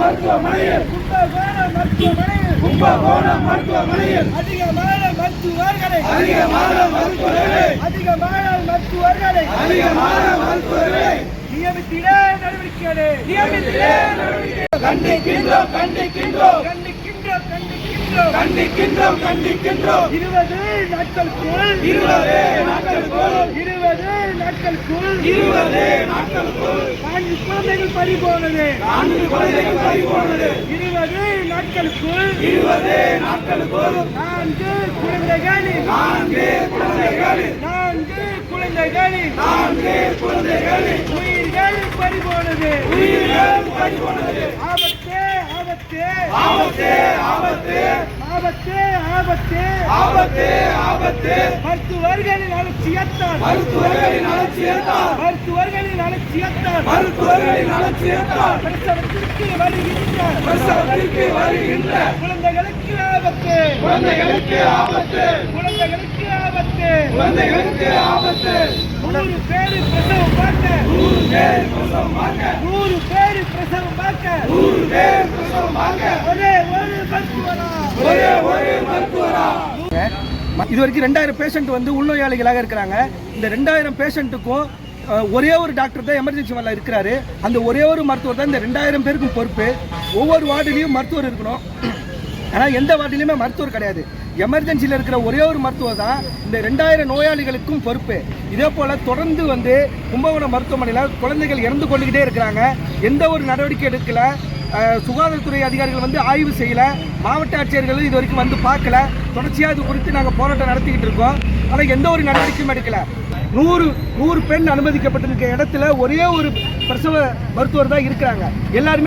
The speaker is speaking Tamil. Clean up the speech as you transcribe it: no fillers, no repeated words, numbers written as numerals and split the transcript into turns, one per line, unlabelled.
மருத்துவமனையில் கும்பகோணம் மருத்துவமனையில் அதிகமான மருத்துவர்களை நியமித்திட நடவடிக்கை கண்டிக்கின்றோம் 20 நாட்களுக்குள் 4 குழந்தைகள் பறி போனது 20 நாட்களுக்குள் 4 குழந்தைகளின் உயிர்கள் பறி போனது ஆபத்து மருத்துவர்களின் அலட்சியத்தால் பிரசவத்திற்கு வருகின்ற குழந்தைகளுக்கு ஆபத்து 100 பேர் பிரசவம் பார்க்க ஒரே ஒரு மருத்துவரா.
இது வரைக்கும் 2000 பேஷண்ட் வந்து உள்நோயாளிகளாக இருக்கிறாங்க. இந்த 2000 பேஷண்ட்டுக்கும் ஒரே ஒரு டாக்டர் தான் எமர்ஜென்சி வார்டில் இருக்கிறாரு. அந்த ஒரே ஒரு மருத்துவர் தான் இந்த 2000 பேருக்கும் பொறுப்பு. ஒவ்வொரு வார்டிலையும் மருத்துவர் இருக்கணும். ஆனால் எந்த வார்டிலையுமே மருத்துவர் கிடையாது. எமர்ஜென்சியில் இருக்கிற ஒரே ஒரு மருத்துவர் தான் இந்த 2000 நோயாளிகளுக்கும் பொறுப்பு. இதே போல் தொடர்ந்து வந்து கும்பகோணம் மருத்துவமனையில் குழந்தைகள் இறந்து கொண்டுகிட்டே இருக்கிறாங்க. எந்த ஒரு நடவடிக்கை எடுக்கல. சுகாதாரத்துறை அதிகாரிகள் வந்து ஆய்வு செய்யலை. மாவட்ட ஆட்சியர்கள் இது வரைக்கும் வந்து பார்க்கல. தொடர்ச்சியாக இது குறித்து நாங்கள் போராட்டம் நடத்திக்கிட்டு இருக்கோம். ஆனால் எந்த ஒரு நடவடிக்கையும் எடுக்கலை. 100 பெண் அனுமதிக்கப்பட்டிருக்க இடத்துல ஒரே ஒரு பிரசவ மருத்துவர் தான் இருக்கிறாங்க. எல்லாருமே